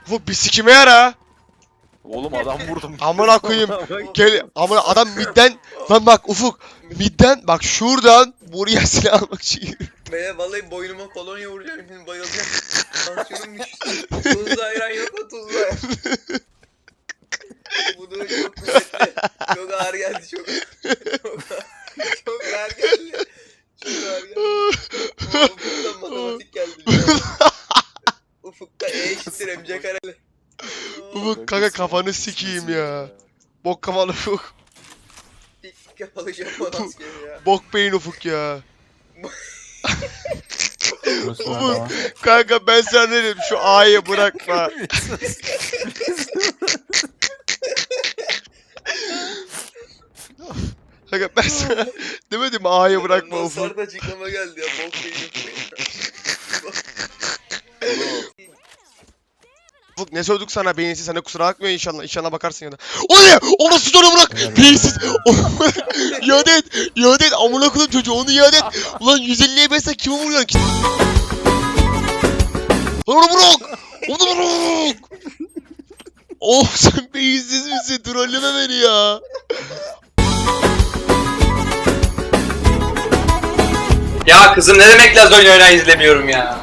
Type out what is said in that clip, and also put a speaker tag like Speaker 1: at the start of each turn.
Speaker 1: Ufuk bir sikime yara.
Speaker 2: Oğlum adam vurdum.
Speaker 1: Amına koyayım. Gel amına adam midden lan bak Ufuk midden bak şuradan buraya silah almak için yürü.
Speaker 3: Beye vallahi boynuma kolonya vuracağım şimdi bayılacağım. Tansiyonum düştü. Tuzlu ayran yok mu tuzlu ayran? Bu da çok kuvvetli. Çok ağır geldi çok. Çok ağır geldi. Çok ağır geldi. Ufuk'tan matematik geldi. Ufuk'ta E eşittir MC kareli.
Speaker 1: Ufuk kanka kafanı sikeyim ya. Bok kafalı Ufuk.
Speaker 3: İlk kapalı Japon askeri ya.
Speaker 1: Bok beyin Ufuk ya.
Speaker 4: Burası nerede lan?
Speaker 1: Kanka ben sana ne dedim şu A'yı bırakma. Kanka ben sana demedim mi A'yı bırakma
Speaker 3: Ondan
Speaker 1: Ufuk.
Speaker 3: sonra da açıklama geldi ya. Bok beynim.
Speaker 1: Ufuk ne sorduk sana beyinsiz sana kusura bakmıyor inşallah. İnşallah bakarsın ya da. O ne? O nasıl soru bırak? Beyinsiz. İade et. İade et. Amına koyayım çocuğu onu iade et. Ulan 150'ye besle kimi vuruyorsun ki? Lan onu bırak. Onu bırak. Oh sen beyinsiz misin? Trolleme beni ya.
Speaker 5: Ya kızım ne demek Laz oyun oynayan izlemiyorum ya.